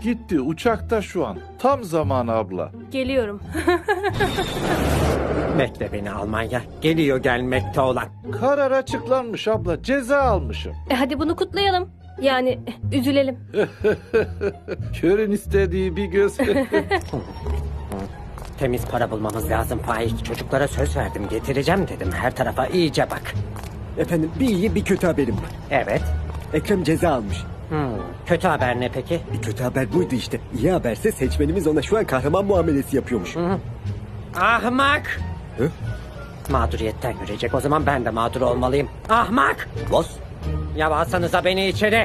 Gitti uçakta şu an. Tam zamanı abla. Geliyorum. Bekle beni Almanya. Geliyor gelmekte olan. Karar açıklanmış abla. Ceza almışım. Hadi bunu kutlayalım. Yani üzülelim. Körün istediği bir göz. Temiz para bulmamız lazım Faik. Çocuklara söz verdim, getireceğim dedim. Her tarafa iyice bak. Efendim bir iyi bir kötü haberim var. Evet. Ekrem ceza almış. Kötü haber ne peki? Kötü haber buydu işte. İyi haberse seçmenimiz ona şu an kahraman muamelesi yapıyormuş. Ahmak! Hı? Mağduriyetten yürüyecek. O zaman ben de mağdur olmalıyım. Ahmak! Boss. Ya alsanıza beni içeri.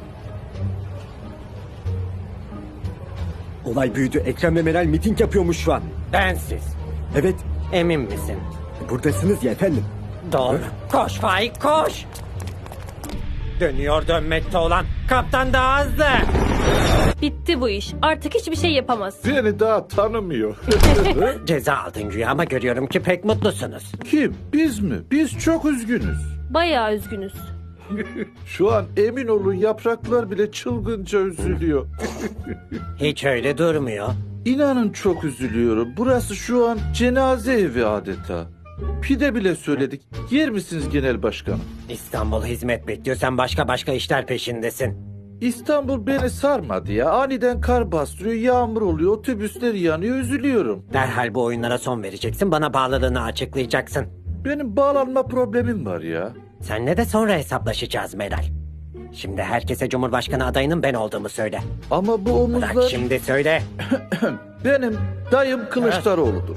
Olay büyüdü. Ekrem ve Meral miting yapıyormuş şu an. Bensiz. Evet. Emin misin? Buradasınız ya efendim. Doğru. Koş Faik koş. Dönüyor dönmekte olan. Kaptan daha hızlı. Bitti bu iş. Artık hiçbir şey yapamaz. Beni daha tanımıyor. Ceza aldın güya ama görüyorum ki pek mutlusunuz. Kim? Biz mi? Biz çok üzgünüz. Bayağı üzgünüz. Şu an emin olun yapraklar bile çılgınca üzülüyor. Hiç öyle durmuyor. İnanın çok üzülüyorum. Burası şu an cenaze evi adeta. Pide bile söyledik. Yer misiniz genel başkanım? İstanbul hizmet bekliyor. Sen başka işler peşindesin. İstanbul beni sarmadı ya. Aniden kar bastırıyor, yağmur oluyor, otobüsler yanıyor, üzülüyorum. Derhal bu oyunlara son vereceksin. Bana bağlılığını açıklayacaksın. Benim bağlanma problemim var ya. Seninle de sonra hesaplaşacağız Meral. Şimdi herkese Cumhurbaşkanı adayının ben olduğumu söyle. Ama bu Bırak omuzlar şimdi söyle. benim dayım Kılıçdaroğlu'dur.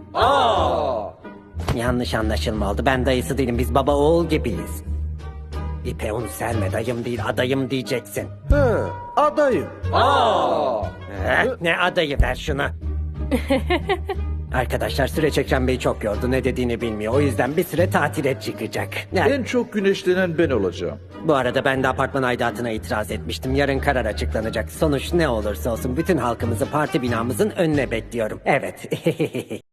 Yanlış anlaşılma oldu. Ben dayısı değilim. Biz baba oğul gibiyiz. İpe un serme dayım değil adayım diyeceksin. He, adayım. Ne adayı ver şunu. Arkadaşlar süreç Ekrem Bey çok yordu. Ne dediğini bilmiyor. O yüzden bir süre tatile çıkacak. Yani, En çok güneşlenen ben olacağım. bu arada ben de apartman aidatına itiraz etmiştim. Yarın karar açıklanacak. Sonuç ne olursa olsun bütün halkımızı parti binamızın önüne bekliyorum. Evet.